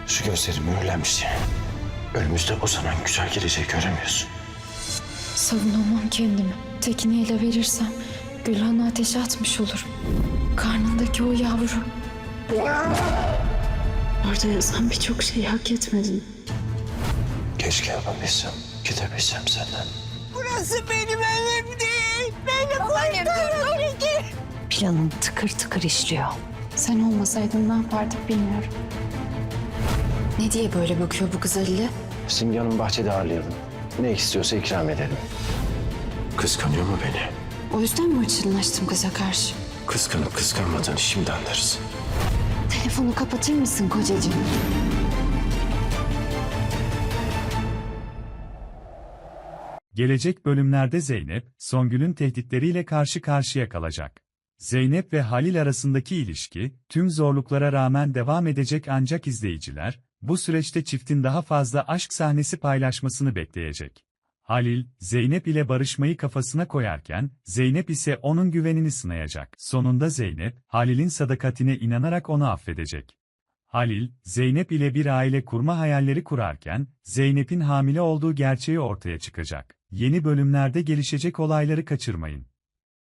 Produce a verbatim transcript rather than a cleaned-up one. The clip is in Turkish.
Şu gözlerim mühürlenmiş. Önümüzde uzanan güzel geleceği göremiyorsun. Savunamam kendimi. Tekini ele verirsem Gülhan'ı ateşe atmış olurum. Karnındaki o yavru. Orada yazan birçok şeyi hak etmedin. Keşke yapabilsem, gidebilsem senden. Burası benim evim değil. Beni kurtarın. Planın tıkır tıkır işliyor. Sen olmasaydın ne yapardık bilmiyorum. Ne diye böyle bakıyor bu kız Halil'e? Simge Hanım bahçede ağırlayalım. Ne istiyorsa ikram edelim. Kıskanıyor mu beni? O yüzden mi hırçınlaştım kıza karşı? Kıskanıp kıskanmadığını şimdi anlarız. Telefonu kapatır mısın kocacığım? Gelecek bölümlerde Zeynep, Songül'ün tehditleriyle karşı karşıya kalacak. Zeynep ve Halil arasındaki ilişki, tüm zorluklara rağmen devam edecek ancak izleyiciler, bu süreçte çiftin daha fazla aşk sahnesi paylaşmasını bekleyecek. Halil, Zeynep ile barışmayı kafasına koyarken, Zeynep ise onun güvenini sınayacak. Sonunda Zeynep, Halil'in sadakatine inanarak onu affedecek. Halil, Zeynep ile bir aile kurma hayalleri kurarken, Zeynep'in hamile olduğu gerçeği ortaya çıkacak. Yeni bölümlerde gelişecek olayları kaçırmayın.